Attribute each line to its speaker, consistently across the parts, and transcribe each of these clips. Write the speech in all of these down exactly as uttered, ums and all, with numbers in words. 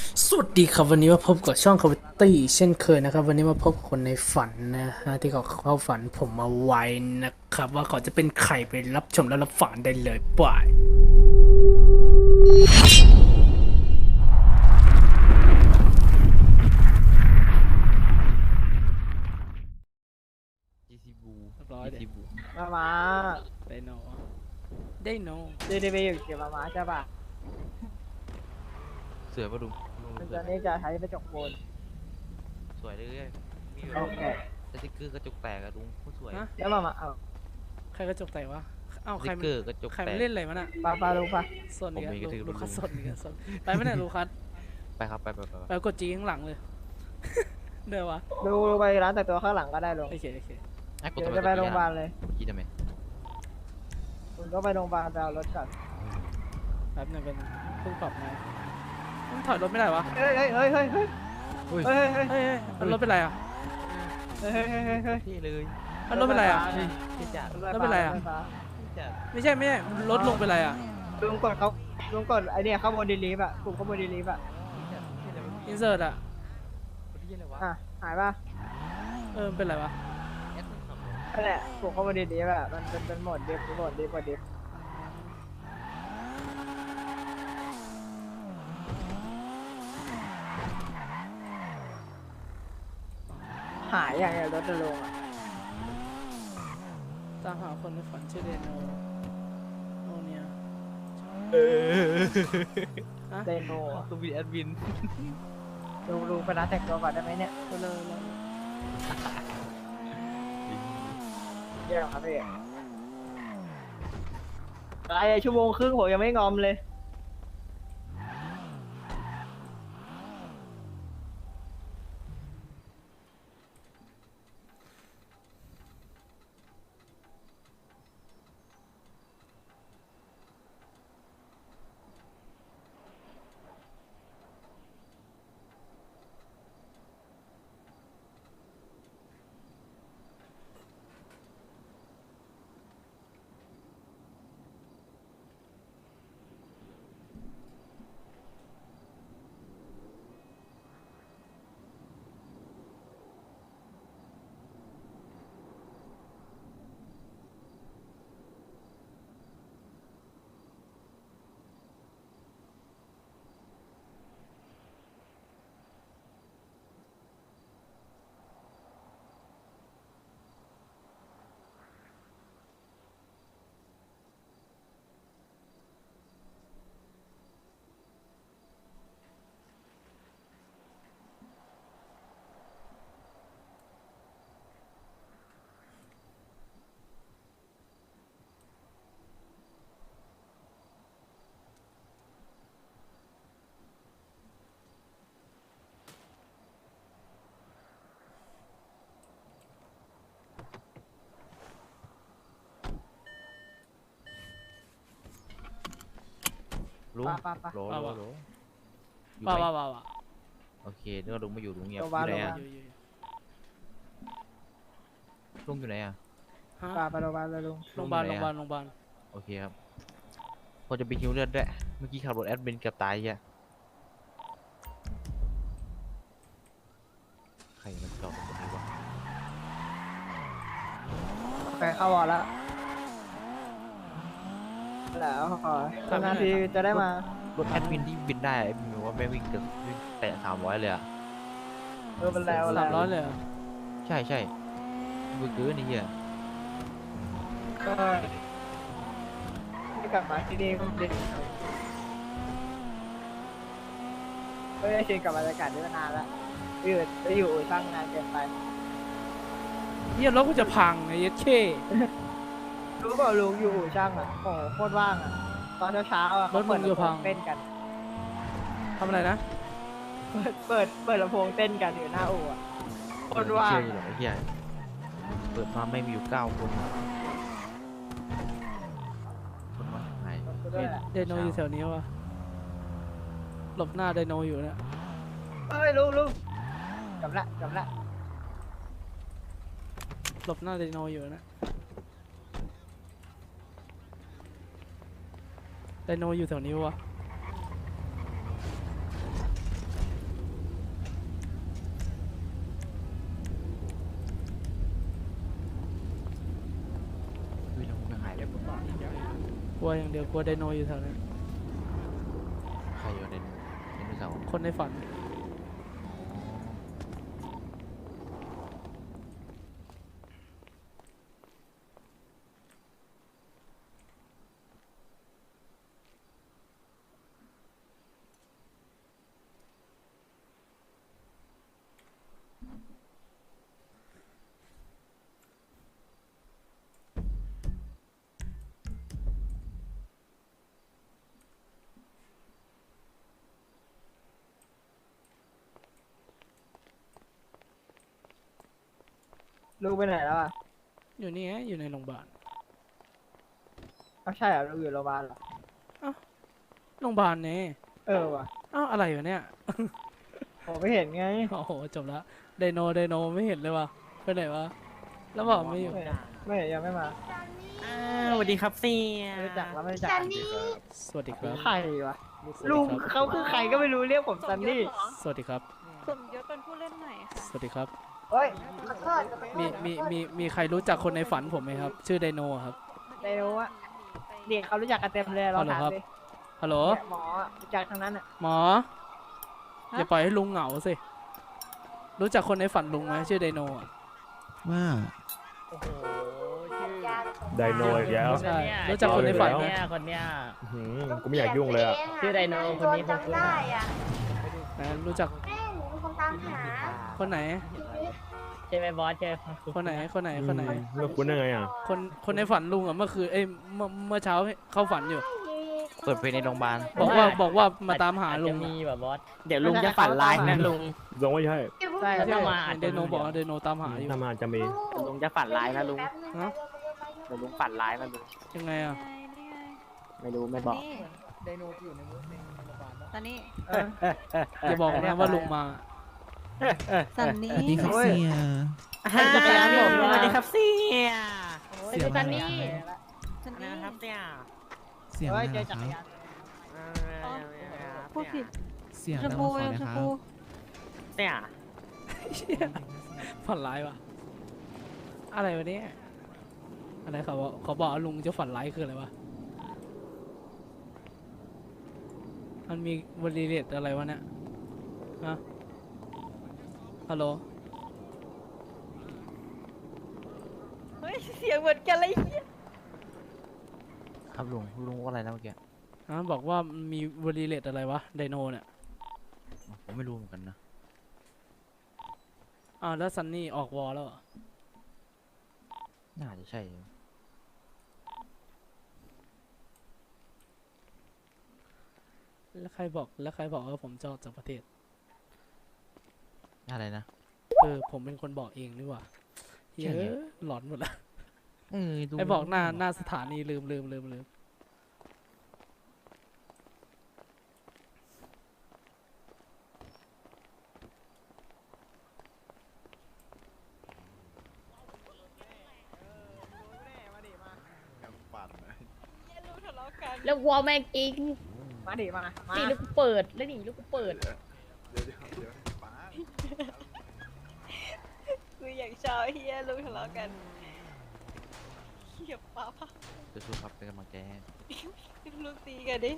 Speaker 1: สวัสดีครับวันนี้มาพบกับช่องคาวิตี้เช่นเคยนะครับวันนี้มาพบกับคนในฝันนะฮะที่เขาเข้าฝันผมมาไว้นะครับว่าเขาจะเป็นใครไปรับชมและรับฟังได้เลยบาย
Speaker 2: จีซีบู
Speaker 1: เรียบร้อย
Speaker 2: จี
Speaker 1: เด็
Speaker 2: ซีบู
Speaker 3: มามา
Speaker 1: ได้โนได้โน
Speaker 3: เดลิเวอรี่อยู่เกี่ยวมามาใช่ป่ะ
Speaker 2: สวยปะลุงลุง
Speaker 3: มัน
Speaker 2: สว
Speaker 3: จะ
Speaker 2: ยไหม
Speaker 3: นี่จะใช้กระจกโบน
Speaker 2: สวยเลยมีแบ
Speaker 3: โอบ เค
Speaker 2: สติ๊กเกอร์กระจกแตกอะลุงโคตรสวย
Speaker 1: ฮะ
Speaker 3: แล้วมามาเอา
Speaker 1: ใครกระจกแตกวะเอ้า
Speaker 2: ส
Speaker 1: ใคร
Speaker 2: ติ๊กเกอร์กระจก
Speaker 1: ใคร
Speaker 2: แต
Speaker 1: มาก เล่นอะไรวะน่ะ
Speaker 3: ปลาปลาลงปลา
Speaker 1: ส่วนนี้
Speaker 2: ผมเองก็ถือ
Speaker 1: ลูคัส
Speaker 2: รู้
Speaker 1: สดนี่กันสดไปไม่ได้ลูคัส
Speaker 2: ไปครับไปไปไปไป
Speaker 1: ไปกดจีข้างหลังเลย เดี๋ยววะ
Speaker 3: ดูดูไปร้านแต่งตัวข้างหลังก็ได้ลง
Speaker 1: โอเคโอเค
Speaker 2: ไอ้กด
Speaker 3: เดี๋ย
Speaker 2: ทำ
Speaker 3: ว
Speaker 2: ไม
Speaker 3: จะ
Speaker 2: ก
Speaker 3: ไป
Speaker 2: ด
Speaker 3: โรงพยาบาล
Speaker 2: ย
Speaker 3: เลย
Speaker 2: คิดทำไม
Speaker 3: คุณก็ไปโรงพยาบาลไปเอารถก่อน
Speaker 1: แป๊บหนึงเป็นเพิ่งปรับมามันถอยรถไม่ได้วะ
Speaker 3: เฮ้ยเฮ้ยเฮ้ยเฮ้ยเฮ้ย
Speaker 2: เฮ้ย
Speaker 3: เฮ้ยเฮ้ย
Speaker 1: เฮ้ยเฮ้ยมันรถเป็นไรอ่ะ
Speaker 3: เฮ้ยเฮ้ยเฮ้ยเฮ้ยเฮ้ย
Speaker 2: เท่เลย
Speaker 1: มันรถเป็นไรอ่ะ
Speaker 2: เฮ้ยเท่จัด
Speaker 1: แล้วเป็นไรอะ
Speaker 3: ถฟฟ้า
Speaker 2: เท่จัด
Speaker 1: ไม่ใช่ไม่ใช่รถลงเป็นไรอ่ะ
Speaker 3: ลุงกดเขาลุงกดไอเนี่ยเข้าบนดีลีฟอะกลุ่มเข้าบนดีลีฟอะ
Speaker 2: เท่จัดเท่เลย
Speaker 1: อินเสิร์ตอ่ะ
Speaker 2: คนที่อะไรวะ
Speaker 3: อ่ะหายป่ะ
Speaker 1: เออมันเป็นไรวะ
Speaker 2: แอดมินสอง
Speaker 3: นั่นแหละกลุ่มเข้าบนดีลีฟอะมันเป็นเป็นโหมดดิฟโหมดดิฟโหมดดิฟหายอย่างเงี้ยรถจะลงอะ
Speaker 1: ตามหาคนในฝันชื่อเดโนโนเนีย
Speaker 2: เออ
Speaker 1: ฮะ
Speaker 3: เดโม
Speaker 2: ต้องมีแอดมิน
Speaker 3: ลุงลุงไปร้านแต่งตัวก่อนได้ไหมเนี่ย
Speaker 1: ไปเลยเลย
Speaker 3: เยี่ยมครับพี่อะไรชั่วโมงครึ่งผมยังไม่งอมเลย
Speaker 2: ลุง
Speaker 3: ปะปะปะ
Speaker 2: โหลโหลโหลอยู่
Speaker 1: ว้า
Speaker 2: ไห
Speaker 1: วว้าวว้าวว้าว
Speaker 2: โอเคนึกว่าลุงไม่อยู่ลุงเงียบ
Speaker 3: โร
Speaker 2: อง
Speaker 3: พยาบาล
Speaker 2: ยู่ไหนอะ
Speaker 1: อยู่อยู่อยู่
Speaker 2: ลุงอยู่ไหนอะ
Speaker 1: ฮะ
Speaker 3: ปาไปโรงพยาบาลเลยลุง
Speaker 1: โรงพยาบาลโรงพยาบาลโรงพยาบาล
Speaker 2: โอเคครับพอจะไปฮิวเลือดด้วยเมื่อกี้ขับรถแอดมินเกือบตายอ่ะใครมันจอดตรงนี้วะ
Speaker 3: โอเคเข้าวอร์ดแล้วแล้วขอทำนาทีจะได้มาร
Speaker 2: ถแอดมินที่บินได้ไอ้บินบอกว่าไม่วิ่งเกินวิ่งแตะสามร้อยเลยอ่ะ
Speaker 3: เออเป็นแล้ว
Speaker 1: สามร้อยเลยเหรอ
Speaker 2: ใช่ใช่เบอร์เกอร์นี่เหี้ย
Speaker 3: ก็ที่กลับมาที่นี่ก็ดีไม่ได้ชินกับบรรยากาศนี้มานานแล้วอยู่จะอยู่ช่างงานเกินไป
Speaker 1: เฮียรถกูจะพังไอ้เหี้ยัดเข้
Speaker 3: รู้เปล่าลุงอยู่อู่ช่างอ่ะโอ้โหโคตรว่างอ่ะตอนเช้าๆอ่ะเขาเปิดลำโพงเต้นกัน
Speaker 1: ทำอะไรนะ
Speaker 3: เปิดเปิดเปิดลำโพงเต้นกันอยู่หน้าอู่อ่ะโคตรว่าง
Speaker 2: เชื่ออยู่หรอไอ้เหี้ยเปิดมาไม่มีอยู่เก้าคนคนมาจากไหน
Speaker 3: ด้วยแหละ
Speaker 1: ไดโนอยู่แถวนี้วะหลบหน้าไดโนอยู่เนี่ย
Speaker 3: เอ้ยลุงลุงกลับละกลับละ
Speaker 1: หลบหน้าไดโนอยู่เนี่ยไดโนอยู่แถวนี้วะกลัวอย่างเดียวกลัวไดโนอยู่แถวนั้น
Speaker 2: ใครอยู่ในในมือเสาร์
Speaker 1: คนในฝัน
Speaker 3: ลุงไปไหนแล้วอ่ะ
Speaker 1: อยู่นี่ไงอยู่ในโรงพยาบาล
Speaker 3: อ้าวใช่เหรอลุงอยู่โรงพยาบาลเหรอ
Speaker 1: โรงพยาบาลเนี่ย
Speaker 3: เออว่ะ
Speaker 1: อ้าวอะไรวะเนี่ย
Speaker 3: ผมไม่เห็นไง
Speaker 1: โอ้โหจบละไดโนไดโนไม่เห็นเลยวะไปไหนวะแล้วบอกไม่อยู่
Speaker 3: ไม่เห็นไม่เห็นยังไม่มา
Speaker 2: สวัสดีครับเสีย
Speaker 3: ไม่รู้จักแล้วไม่รู้จัก
Speaker 4: ซันนี่
Speaker 1: สวัสดีครับ
Speaker 3: ใครวะ
Speaker 1: สวัส
Speaker 3: ลุ
Speaker 1: ดี
Speaker 3: ง
Speaker 1: ครับ
Speaker 3: เขาคือใครก็ไม่รู้เรียกผมซันนี่
Speaker 1: สวัสดีครับ
Speaker 4: สมยศเป็นผู้เล่นใหม่ค่ะ
Speaker 1: สวัสดีครับ
Speaker 3: เฮ้ย
Speaker 4: ขอโทษ
Speaker 1: มีมีมีมีใครรู้จักคนในฝันผมไหมครับ ชื่อไดโนอะครับ
Speaker 3: เร็วอะเด็กเขารู้จักกันเต็มเลยเราถาม
Speaker 1: เอาเหรอครับ
Speaker 3: ดิ
Speaker 1: ฮัลโหล
Speaker 3: เนี่ยหมออะรู้จักทั้งนั้นอ่ะ
Speaker 1: หมออย่าปล่อยให้ลุงเหงาสิรู้จักคนในฝันลุงไหมชื่อไดโนอะ
Speaker 5: ว่า
Speaker 3: โอ้โหชื่อ
Speaker 6: ไดโนอีกแล้ว
Speaker 1: ใช่รู้จักคนในฝันไหม
Speaker 6: เนี่ยคนเนี้ย หืมกูไม่อยากยุ่งเลยอ่ะ
Speaker 4: ชื่อไดโนคนนี้คงได้อ่ะ
Speaker 1: ไหนรู้จัก
Speaker 4: แม่หนูเป็นคนตามหา
Speaker 1: คนไหน
Speaker 7: ใช่ไหมบอสใช่ไหม
Speaker 1: คนไหนคนไหนคนไหน
Speaker 6: เมื่อคุณได้ไงอ่ะ
Speaker 1: คนคนในฝันลุงอะเมื่อคืนเอ้ยเมื่อเมื่อเช้าเข้าฝันอยู่
Speaker 2: เปิดเพลงในโรงพยาบาล
Speaker 1: บอกว่าบอกว่ามาตามหาลุง
Speaker 7: จะมี
Speaker 1: อะ
Speaker 7: แบบบอส
Speaker 5: เดี๋ยวลุงจะฝันร้ายนะลุง
Speaker 6: ลงไม่ใช่
Speaker 3: ใช่
Speaker 7: ถ้า
Speaker 3: ใช่
Speaker 7: มาอาจ
Speaker 1: ได
Speaker 7: จะ
Speaker 1: โนบอกว่าไดโนตามหาอยู่
Speaker 6: ถ้ามาอาจจะมี
Speaker 5: ลุงจะฝันร้ายนะลุง
Speaker 1: ฮะ
Speaker 5: เดี๋ยวลุงฝันร้ายนะลุง
Speaker 1: ยังไงอะ
Speaker 5: ไม่รู้ไม่บอก
Speaker 3: ไดโนอยู่ในมือในโรงพยาบาลปะ
Speaker 4: ซันนี่
Speaker 3: เออ
Speaker 1: อย่าบอกนะว่าลุงมา
Speaker 4: ซันนี่
Speaker 5: สวัสดีครับ
Speaker 3: โอ้ย
Speaker 5: เสีย
Speaker 3: จักรยานผม
Speaker 7: สวัสดีครับเสีย
Speaker 5: เสีย
Speaker 7: ซันนี่
Speaker 4: ซันนี่
Speaker 7: นะครับเสีย
Speaker 5: เสียง
Speaker 3: เฮ้
Speaker 5: อะ
Speaker 3: ย
Speaker 5: ไร
Speaker 3: เจอ
Speaker 5: นะ
Speaker 3: จั
Speaker 5: ค
Speaker 3: กร
Speaker 5: รับ
Speaker 3: ยาน
Speaker 4: พูดผิด
Speaker 5: เสียง
Speaker 4: ช
Speaker 5: ดั
Speaker 4: ม
Speaker 5: ง
Speaker 4: พู
Speaker 5: ขอ
Speaker 4: ช
Speaker 5: นะ
Speaker 4: ม
Speaker 5: ครับ
Speaker 4: พู
Speaker 7: เสีย
Speaker 1: ฝันร้ายวะอะไรวะเนี่ยอะไรเขาบอกเขาบอกว่าลุงจะฝันร้ายคืออะไรวะมันมีบริเลตอะไรวะเนี่ยฮะฮัลโหล
Speaker 4: เฮ้ยเสียงเหมือนกันเลย
Speaker 2: ครับลุงลุงว่าอะไรนะเมื่อกี้
Speaker 1: ฮะบอกว่ามันมีบริเลตอะไรวะไดโนเนี่ย
Speaker 2: ผมไม่รู้เหมือนกันนะ
Speaker 1: อ้าวแล้วซันนี่ออกวอลแล้วเหรอ
Speaker 2: น่าจะใช่
Speaker 1: แล้วใครบอกแล้วใครบอกว่าผมจะออกจากประเทศ
Speaker 2: อะไรนะ
Speaker 1: เออผมเป็นคนบอกเองดีกว่าเฮ้
Speaker 2: ใช่ไง
Speaker 1: ยหลอนหมดละ
Speaker 2: เออลุง
Speaker 1: ไอ้บอกหน้าหน้าสถานีลืมลืมลืมลืม
Speaker 7: แล้ววอลแม่งจริง
Speaker 3: มาดิมามา
Speaker 7: นี่ลูกกูเปิดแล้วนี่ลูกกูเปิด
Speaker 4: กูอยากชอบเฮียลุงทะเลาะกันเฮียป้าป้า
Speaker 2: สู้ๆครับเป็นกำลังใจให้
Speaker 4: ลุงตีกันดิ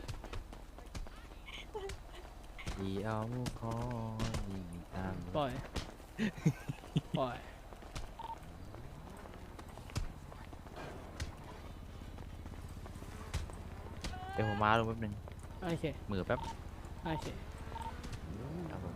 Speaker 2: ดีเอาคอดีตาม
Speaker 1: ปล่อย ปล่อย
Speaker 2: เดี๋ยวผมมาลุงแป๊บนึง
Speaker 1: โอเค
Speaker 2: มือแป๊บ
Speaker 1: โอเค
Speaker 2: ครับผม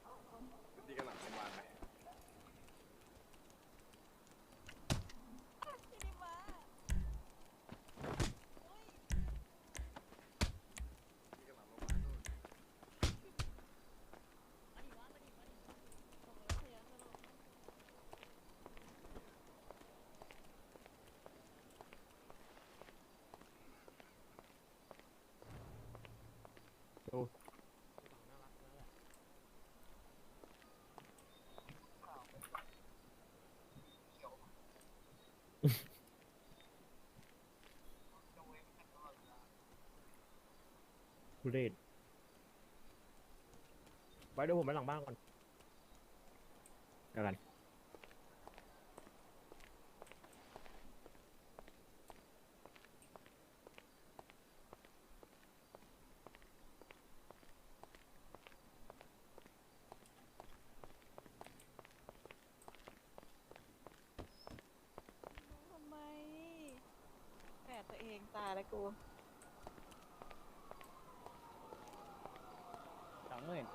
Speaker 6: ทุเรศไปเดี๋ยวผมไปหลังบ้านก่อนเดี๋ยวกัน
Speaker 4: ทำไมแฝดตัวเองตายแล้วกู
Speaker 7: สองหมื่น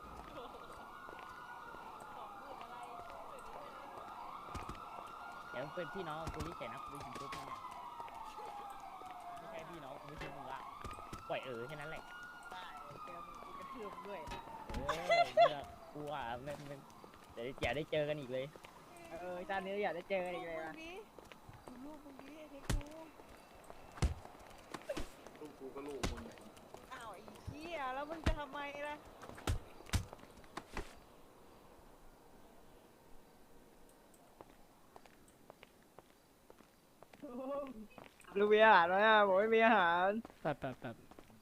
Speaker 7: เดี๋ยวเป็นพี่น้องกูที่เฉยนะกูไปยิงปุ๊บเนี่ยไม่ใช่พี่น้องกูไม่ใช่มึงละปล่อยเออแค่นั้นแหละ
Speaker 3: ได้เจอมึงกูกระทืบด้วย
Speaker 7: เออเนี่ยกูอ่ะไม่ไม่เดี๋ยวอย่าได้เจอกันอีกเลย
Speaker 3: เออชาตินี้อยากได้เจอกันอีกเลยนะ
Speaker 4: ลูกมึงดิไอ้เทคกูลูกกูก็ลูกมึงอ้าวไอ้เหี้ยแล้วมึงจะทำไมล่ะ
Speaker 3: ลูกมีอาหารไหมอ่ะผมไม่มีอาหาร
Speaker 1: แป๊บแป๊บแป๊บ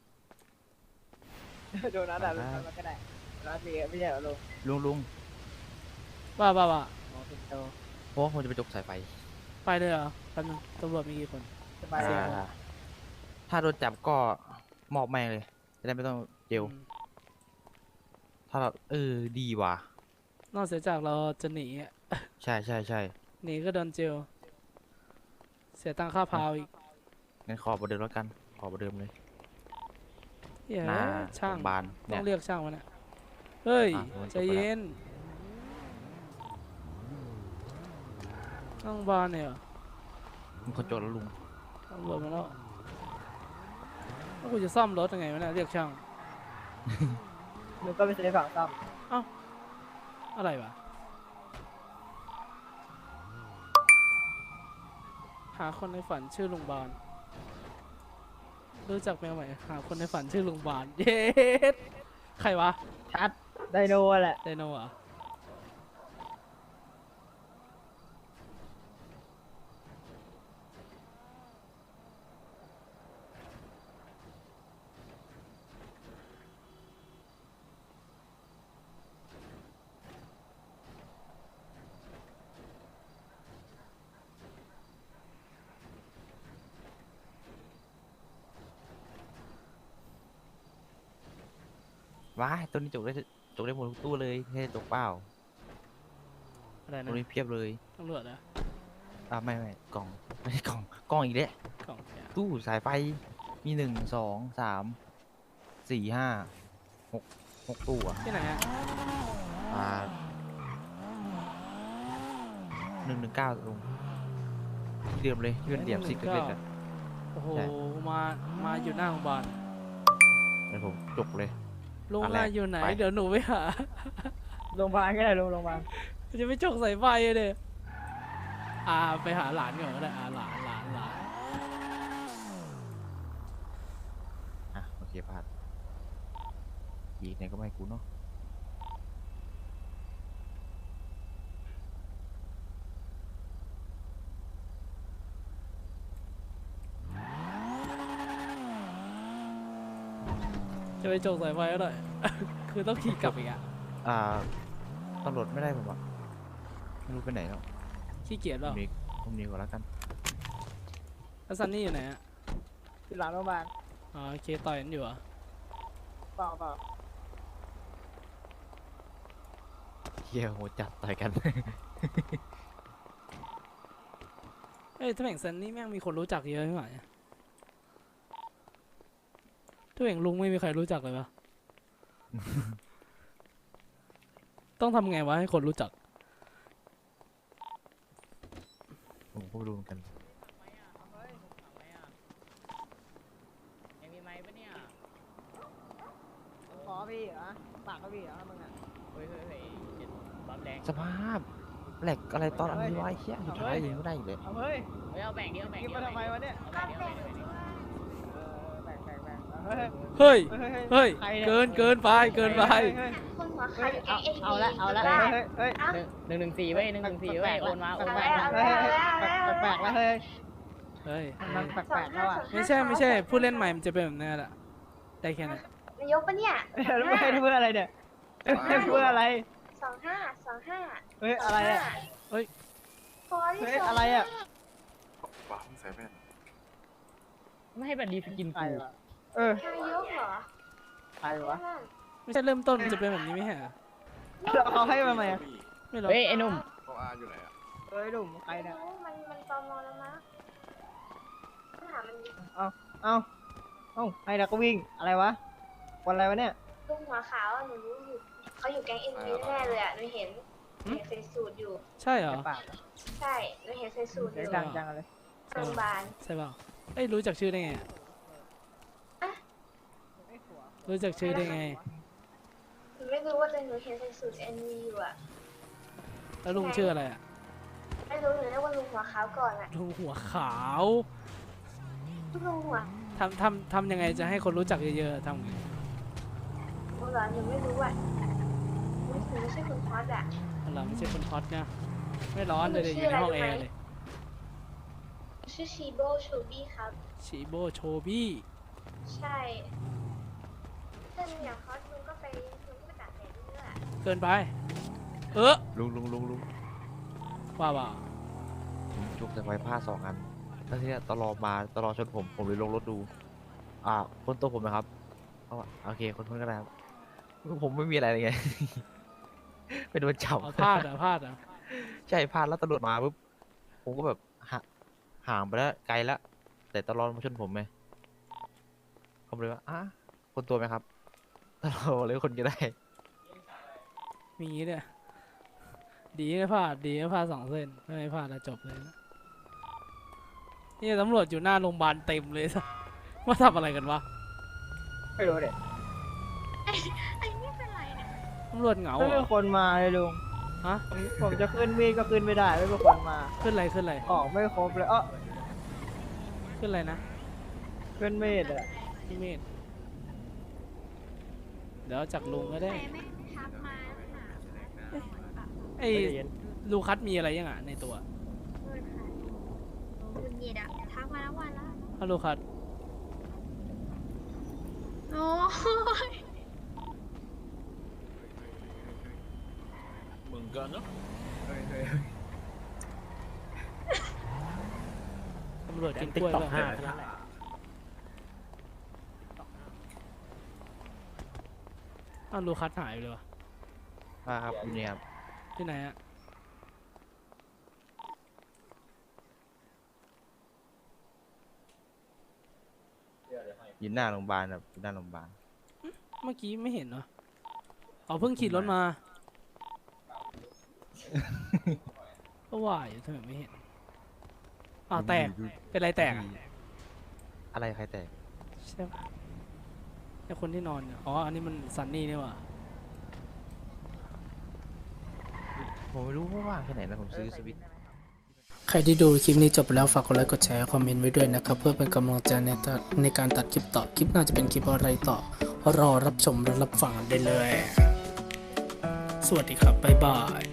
Speaker 3: โดนัทอ่ะลูกมันก็ได้โดนัทมีไม่ใช่เหรอลุง
Speaker 2: ลุงลุง
Speaker 1: ว่าว่าว่า
Speaker 3: อ๋อเป็นโต
Speaker 2: เพราะว่าผมจะไปจกสายไฟ
Speaker 1: ไปเลยเหรอแป๊บนึงตำรวจมีกี่คน
Speaker 3: สบายดี
Speaker 2: อ่าถ้าโดนจับก็มอบแม่งเลย จะได้ไม่ต้องเจล
Speaker 1: อืม
Speaker 2: ถ้าเราเออดีว่ะ
Speaker 1: นอกเสียจากเราจะหนีอะ
Speaker 2: ใช่ใช่ใช่
Speaker 1: หนีก็โดนเจลเสียตังค่าพาวอีก
Speaker 2: งั้นขอประเดิมแล้วกัน ขอประเดิมเลย
Speaker 1: เหี้ย
Speaker 2: หน้า
Speaker 1: ช่าง
Speaker 2: โรงพยาบาล
Speaker 1: ต้
Speaker 2: เนี่
Speaker 1: อย งเรียกช่างวะเนี่ยเฮ้ย
Speaker 2: อ่ะมัน
Speaker 1: ใจ
Speaker 2: จบไปแล้ว
Speaker 1: เย็นต้องบานเนี่ยเหรอ
Speaker 2: มึงคนจดแล้วลุง
Speaker 1: ตำรวจมาแล้วแล้วกูจะซ่อมรถยังไงวะเนี่ยเรียกช่าง
Speaker 3: ลุงก็ไปซื้อฝั่งซ่อม
Speaker 1: อะไรวะหาคนในฝันชื่อลุงบานรู้จักแมวไหมหาคนในฝันชื่อลุงบาน เย็ดใครวะ
Speaker 3: ชัดไดโนแหละ
Speaker 1: ไดโนเหรอ่ะ
Speaker 2: ว้ายตัวนี้จกได้จกได้หมดทุกตู้เลยไม่ใช่จกเปล่า
Speaker 1: อะไร
Speaker 2: ตัว
Speaker 1: นะ
Speaker 2: นี้เพียบเลย
Speaker 1: ตำรวจนะ
Speaker 2: อ่าไม่ไม่กล่อง ไม่ใช่กล่อง กล่องอีกแล้ว
Speaker 1: กล่องเนี่ย
Speaker 2: ตู้สายไฟ มีหนึ่งสองสามสี่ห้าหกหกตู้อ่ะ
Speaker 1: ที่ไหนอ่ะ
Speaker 2: อ่าหนึ่งหนึ่งเก้าลุงที่เดิมเลยที่เป็นเหลี่ยมซิกเล็กๆอ่ะ
Speaker 1: โอ้โห
Speaker 2: ใช่
Speaker 1: มามาอยู่หน้าโรงพยาบาล
Speaker 2: เดี๋ยวผมจกเลย
Speaker 1: ลุง
Speaker 2: อันแร
Speaker 1: มาก อยู่ไหน
Speaker 2: ไป
Speaker 1: เดี๋ยวหนูไปหา
Speaker 3: โรงพยาบาลก็ได้ลุงโรงพยาบาล
Speaker 1: จะไปจกสายไฟเลยอ่าไปหาหลานก่อนก็ได้อ่าหลานหลานหลาน
Speaker 2: อ่ะโอเคพลาดอีกไหนก็ไม่ให้กูเนาะ
Speaker 1: จะไปจกสายไฟก็ได้ คือต้องขี่กลับอีกอ่ะ
Speaker 2: อ่าตำรวจไม่ได้ผมอ่ะไม่รู้ไปไหนแล้ว
Speaker 1: ขี้เกียจ
Speaker 2: ผ
Speaker 1: เปล่าม
Speaker 2: นี้ผมนี้ก่อนแล้วกัน
Speaker 1: แล้วซันนี่อยู่ไหนอ่ะ
Speaker 3: ที่หลังโรงพยาบาล
Speaker 1: อ๋อโอเคต่อยกันอยู่เหรอ่ะ
Speaker 3: เปล่าเปล่า
Speaker 2: เฮียโหจัดต่อยกัน
Speaker 1: เอ้ยถ้าแม่งซันนี่แม่งมีคนรู้จักเยอะใช่ไหมถ้าแม่งลุงไม่มีใครรู้จักเลยปะต้องทำไงวะให้คนรู้จัก
Speaker 2: ผมก็ไม่รู้เหมือนกัน
Speaker 7: ยังมีไม้ปะเนี่ย
Speaker 3: ขอพี่เหรอปากก็พี่เหรอมึงอ่ะ
Speaker 7: เฮ้ยเฮ้ยเฮ้ยเจ็ดบัฟแดง
Speaker 2: สภาพแหลกอะไรตอนอันนี้วะไอ้เหี้ยสุดท้ายยังไม่ได้อีกเลย
Speaker 3: เอาเฮ้ย
Speaker 7: เฮ้ยเอาแบ่งดิเอาแบ่ง
Speaker 3: กิน
Speaker 7: ดิ
Speaker 3: มาทำไมวะเนี่ย
Speaker 7: เอาแบ่งดิเอาแบ่งดิเอาแบ่งดิ
Speaker 3: เออแบ่งแบ่งแบ่งเฮ้ย
Speaker 1: เฮ้ย
Speaker 3: เฮ้ย
Speaker 1: เฮ้ย
Speaker 3: ใครเนี่ย
Speaker 1: เกินเกินไปเกินไป
Speaker 3: เฮ้ยเฮ้ย
Speaker 4: คนหัว
Speaker 3: เฮ้
Speaker 4: ขาย วอยู่แก๊งเอ็น
Speaker 3: เอาละเอาละ
Speaker 4: บ้า
Speaker 3: เฮ้ยเฮ้ย
Speaker 7: หนึ่งหนึ่งหนึ่งสี่เว้ยหนึ่งหนึ่งสี่เว้ยโอนมาโอน
Speaker 3: แป
Speaker 7: มา
Speaker 3: ลกๆแล้วแปลกๆแล้วเฮ้ย
Speaker 1: เฮ้ย
Speaker 3: มันแปลกๆแล้วอ่ะ
Speaker 1: ไม่ใช่ไม่ใช่ผู้เล่นใหม่มันจะเป็นแบบนี้แหละได้แค่นั้น
Speaker 4: นายกปะเนี่ย
Speaker 3: แล้วไม่ให้เพื่ออะไรเนี่ยให้เพื่ออะไร
Speaker 4: สองห้าสองห้า
Speaker 3: เฮ้ยอะไรอ่ะ
Speaker 1: เฮ้ย
Speaker 4: พอที่
Speaker 3: เฮ้ย
Speaker 4: สอง
Speaker 3: อะไรอ่ะ
Speaker 8: ว้าวใส่แว่น
Speaker 7: ไม่ให้แบบดีสกิน
Speaker 3: ใคร
Speaker 7: กู
Speaker 3: วะเออน
Speaker 4: ายกเหรอ
Speaker 3: ใครวะ
Speaker 1: ไม่ใช่เริ่มต้นมันจะเป็นแบบนี้ไม่ใช่เหรอ
Speaker 3: แล้วเขาให้มาไหมอะ
Speaker 1: ไม่หรอก
Speaker 7: เฮ้ยไอ้หนุ่ม
Speaker 8: เขาอาอยู่ไหนอ่ะ
Speaker 3: เฮ้ยหนุ่มใคร
Speaker 4: ไม่
Speaker 3: เนี่ย
Speaker 4: รู้มันมันตอมอแล้วมั้งต้องถามมันดิ
Speaker 3: เอ้าเอ้าให้แล้วก็วิ่งอะไรวะวันอะไรวะเนี่ย
Speaker 4: ลุงหัวขาวอะหนูรู้อยู่เขาอยู่แก๊งเอ็นบีแน่เลยอ่ะหนูเห็นหนูเห็นใส่สูทอยู่
Speaker 1: ใช่เหรอ
Speaker 3: ปาก
Speaker 4: ใช่หนูเห็นใส่สูทอ
Speaker 3: เสียง
Speaker 4: ยู่
Speaker 3: ดังจังเลย
Speaker 4: โรงพยาบาล
Speaker 1: ใช่เปล่าเอ้ยรู้จักชื่อได้ไงอะรู้จักชื่อได้ไง
Speaker 4: หนูไม่รู้ว่าแต่หนูเห็นใส่สูทเอ็นบีอยู่อ่ะ
Speaker 1: แล้วลุงชื่ออะไรอะ
Speaker 4: ไม่รู้หนูเรียกว่าลุงหัวขาวก่อนอ่ะ
Speaker 1: ลุงหัวขาว
Speaker 4: ลุงหัว
Speaker 1: ทำทำทำยังไงจะให้คนรู้จักเยอะๆทำไง
Speaker 4: หนูเหรอหนูไม่รู้อ่ะหนูไม่ใช่คนฮอตอ่ะ
Speaker 1: เราไม่ใช่คนฮอตนะไม่ร้อนเลยเดี๋ยวอยู่ในห้องแอร์เลย
Speaker 4: ชื่อชีโบโชบี้ครับ
Speaker 1: ชิโบโชบี้
Speaker 4: ใช่ถ้าหนูอยากฮอตลุงก็ไปลุงก็ไปตัดแดดเรื่อย
Speaker 1: เกินไป เออ
Speaker 2: ลุงลุงลุงลุง
Speaker 1: ว่าว่า
Speaker 2: ผมจุกแต่ไว้ผ้าสองอันแล้วทีเนี้ยตลอมาตลอชนผมผมเลยลงรถดู อ่าคนตัวผมนะครับเอาอะโอเคคนคนก็ได้ครับผมไม่มีอะไรเลยไง เป็นโดนจับ
Speaker 1: เอาพลาดเหรอ่ะพลาดเหรอ่ะ
Speaker 2: ใช่พลาดแล้วตำรวจมาปุ๊บผมก็แบบหาห่างไปแล้วไกลแล้วแต่ตลอดมาชนผมไงผมเลยว่าอ่ะคนตัวไหมครับตลอดเลยคนก็ได้
Speaker 1: มีอย่างงี้เนี่ยดีไม่พลาดดีไม่พลาดสองเส้นถ้าไม่พลาดแล้วจบเลยนะนี่ตำรวจอยู่หน้าโรงพยาบาลเต็มเลยสัสว่าทำอะไรกันวะ
Speaker 3: ไม่รู้เด็ก
Speaker 4: ไอ้นี่เป็นไรเนี่ย
Speaker 1: ตำรวจเหงา
Speaker 3: ไม่
Speaker 1: เหร
Speaker 3: มี
Speaker 1: อ
Speaker 3: คนมาเลยลุง
Speaker 1: ฮะ
Speaker 3: ผมผมจะขึ้นมีดก็ขึ้นไม่ได้ไม่มีคนมา
Speaker 1: ขึ้นอะไรขึ้นอะไร
Speaker 3: ของไม่ครบเลยเออ
Speaker 1: ขึ้นอะไรนะ
Speaker 3: ขึ้นมีดอ่ะ
Speaker 1: พี่เมธเดี๋ยวจากลุงก็ได้
Speaker 4: แต่แม่งทักมาหา
Speaker 1: ไอ้ลูคัสมีอะไรยังอ่ะในตัว
Speaker 4: เพื่อนค่ะคุณเหยียดอะทักมาแล้ววันละ
Speaker 1: ฮัลโหลคัส
Speaker 4: โอ้ย
Speaker 8: มึงกันเนาะ
Speaker 1: ตำรวจกินก
Speaker 6: ติ๊ก
Speaker 1: ล้วย
Speaker 6: ต็อก
Speaker 1: ป่ะ
Speaker 6: ห้าเท่านั้นแหละ
Speaker 1: อ้าวลูคัสหายไปเลยวะ
Speaker 2: มาครับอยู่เนี่ยครับ
Speaker 1: ที่ไหนอะ
Speaker 2: อยู่หน้าโรงพยาบาลครับอยู่หน้าโรงพยาบาล
Speaker 1: เมื่อกี้ไม่เห็นเหรออ๋อเพิ่งขี่รถมา ก็ว่าอยู่ทำไมไม่เห็นอ้าวแตกเป็นไรแตกอะ
Speaker 2: อะไรใครแตก
Speaker 1: ใช่ปะไอคนที่นอนเนี่ยอ๋ออันนี้มันซันนี่นี่หว่า
Speaker 2: ผมไม่รู้ว่าว่างแค่ไหนนะผมซื้อสวิตช์
Speaker 1: ใครที่ดูคลิปนี้จบไปแล้วฝากกดไลค์กดแชร์คอมเมนต์ไว้ด้วยนะครับ เพื่อเป็นกำลังใจในตัดในการตัดคลิปต่อ คลิปหน้าจะเป็นคลิปอะไรต่อ รอรับชมและรับฟังได้เลย สวัสดีครับ บ๊ายบาย